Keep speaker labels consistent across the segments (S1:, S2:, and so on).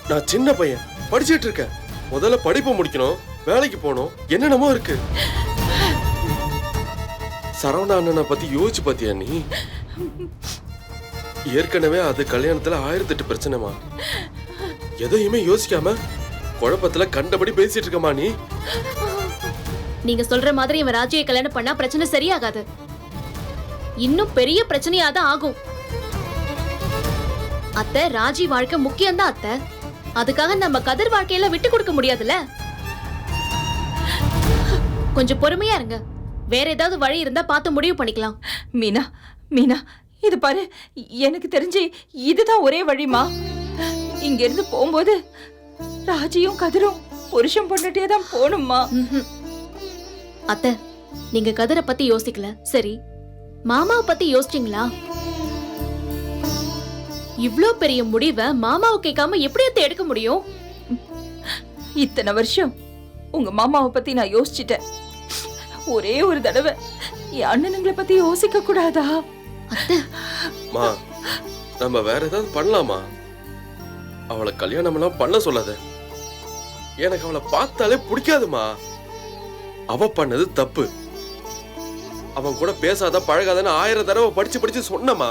S1: நான் சின்ன பையன், படிச்சிட்டு இருக்கேன். முதல்ல படிப்பை முடிக்கணும், வேலைக்கு போகணும், என்னென்னமோ இருக்கு. சரவணா அண்ணனை பத்தி யோசிச்சு பாத்தியா நீ? ஏற்கனவே அது கல்யாணத்துல 1008 பிரச்சனைமா. எதையுமே யோசிக்காம குழப்பத்துல கண்டபடி பேசிட்டு இருக்கமா நீ.
S2: நீங்க சொல்ற மாதிரி இவன் ராஜியை கல்யாணம் பண்ணா பிரச்சனை சரியாகாது, இன்னும் பெரிய பிரச்சனையாதான் ஆகும். அத்தை, ராஜி வாழ்க்கை முக்கியம்தான் அத்தை. அதுக்காக நம்ம கதிர் வாழ்க்கையில விட்டு கொடுக்க முடியாதுல்ல. கொஞ்சம் பொறுமையா இருங்க, வேற ஏதாவது வழி இருந்தா பார்த்து முடிவு பண்ணிக்கலாம்.
S3: மீனா, மீனா, இது பாரு, எனக்கு தெரிஞ்சு இதுதான் ஒரே வழிமா. இங்க இருந்து போகும்போது ராஜியும் கதிரும் புருஷன் பொண்ணுட்டே தான் போகணும்மா.
S2: அத்தை, நீங்க கதிரை பத்தி யோசிக்கல, சரி மாமாவை பத்தி யோசிச்சீங்களா? இவ்ளோ பெரிய முடிவை மாமாவை கேட்காம எப்படி அத்தை எடுக்க முடியும்?
S3: இத்தனை வருஷம் உங்க மாமாவை பத்தி நான் யோசிச்சிட்டேன். ஒரே ஒரு தடவை என் அண்ணனுங்களை பத்தி யோசிக்க கூடாதா?
S2: அத்தை,
S1: மா, நம்ம வேற ஏதாவது பண்ணலாமா? அவளை கல்யாணம் எல்லாம் பண்ண சொல்லாத. எனக்கு அவளை பார்த்தாலே பிடிக்காதுமா. அவ பண்ணது தப்பு. அவன் கூட பேசாத பழகாதன்னு 1000 தடவை படிச்சு சொன்னமா.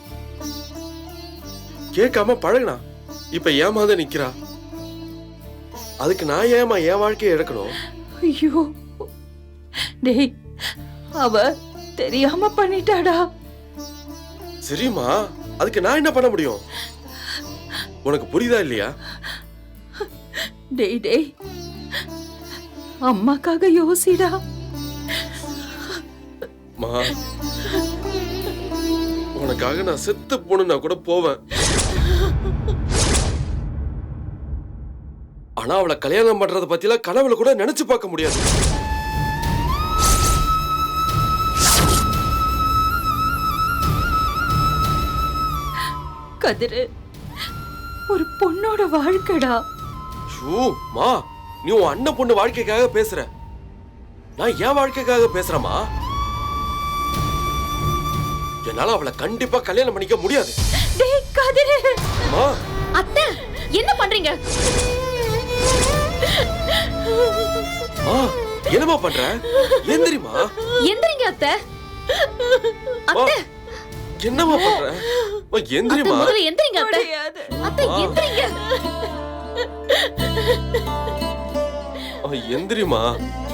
S1: கேட்காம பழகுனா இப்ப ஏமாத நிக்கிறா. அதுக்கு நான் ஏமா என் வாழ்க்கையை எடுக்கணும்?
S3: ஐயோ டேய், அவ தெரியாம பண்ணிட்டாடா.
S1: சரிம்மா, அதுக்கு நான் என்ன பண்ண முடியும்? உனக்கு புரியுதா இல்லையா?
S3: டேய் டேய், அம்மாக்காக யோசிடா.
S1: மா, உனக்காக நான் செத்து போனா கூட போவேன். ஆனா அவளை கல்யாணம் பண்றத பத்திலாம் கனவுல கூட நினைச்சு பார்க்க முடியாது.
S3: கதிரு ஒரு பொண்ணோட வாழ்க்கைடா.
S1: ஷூ மா, நீ உன் அண்ணன் பொண்ணு வாழ்க்கைக்காக பேசுற, நான் என் வாழ்க்கைக்காக பேசுறேமா. என்னால அவளை கண்டிப்பா கல்யாணம் பண்ணிக்க முடியாது.
S3: டேய் கதிரு.
S1: மா,
S2: அத்தை என்ன பண்றீங்க?
S1: மா, என்னமா பண்ற? எந்திரிமா.
S2: எந்திரிங்க அத்தை. அத்தை,
S1: என்னமா பண்ற? மா,
S2: அத்தை,
S1: எந்திரிமா.
S2: முதல்ல எந்திரிங்க அத்தை.
S3: முடியாது.
S2: அத்தை,
S1: மா.
S2: எந்திரிங்க.
S1: எந்திரிமா.